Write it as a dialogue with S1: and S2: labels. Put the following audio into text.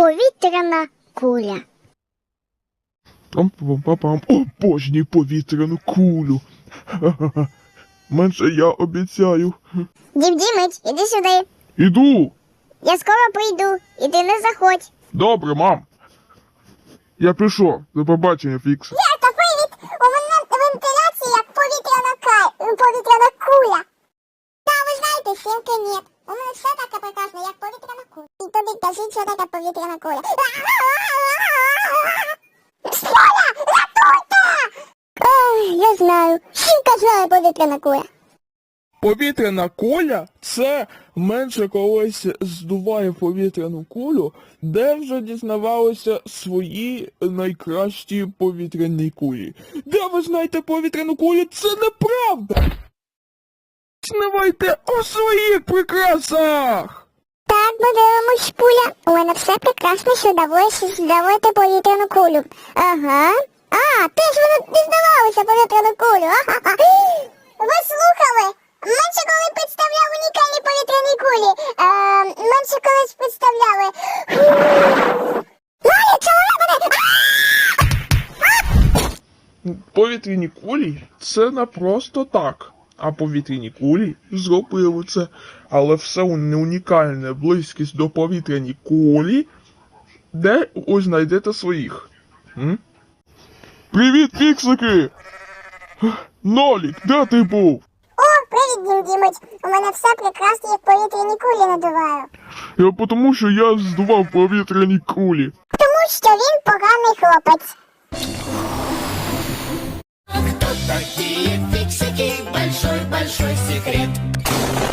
S1: Повітряна куля.
S2: Пам-пам-пам-пам. Обожнюю повітряну кулю. Ха-ха-ха. Менше я обіцяю.
S1: Дім Дімич, іди сюди.
S2: Іду.
S1: Я скоро прийду, і ти не заходь.
S2: Добре, мам. Я пішов. До побачення, Фікс.
S1: Та привіт! У мене вентиляція як повітряна куля. Та ви знаєте, сімки ні. У мене все таке прекрасно, як повітряна куля. І тобі кажіть, що таке повітряна куля. Столя! Рятуйте! Ой, я знаю. Сімка знає повітряна куля.
S3: Повітряна куля – це менше колись здуває повітряну кулю, де вже дізнавалися свої найкращі повітряні кулі. Де ви знаєте повітряну кулю? Це неправда! Знавайте у своїх прикрасах!
S1: Так, подивимось, Пуля. У мене все прекрасно, що вдалося здавати повітряну кулю. Ага. А, ти ж воно дізнавалося повітряну кулю. Ага. Ви слухали? Менше коли представляв унікальні повітряні кулі. Менше колись представляли. Лалі, чоловік мене!
S2: Повітряні кулі – це не просто так. А повітряні кулі зробили це. Але все не унікальне, близькість до повітряні кулі. Де ось знайдете своїх? Привіт, фіксики! Нолік, де ти був?
S1: О, привіт, Дім Дімич. У мене все прекрасно, як повітряні кулі надуваю.
S2: Тому що я здував повітряні кулі.
S1: Тому що він поганий хлопець.
S4: Кто такие фиксики? Большой-большой секрет.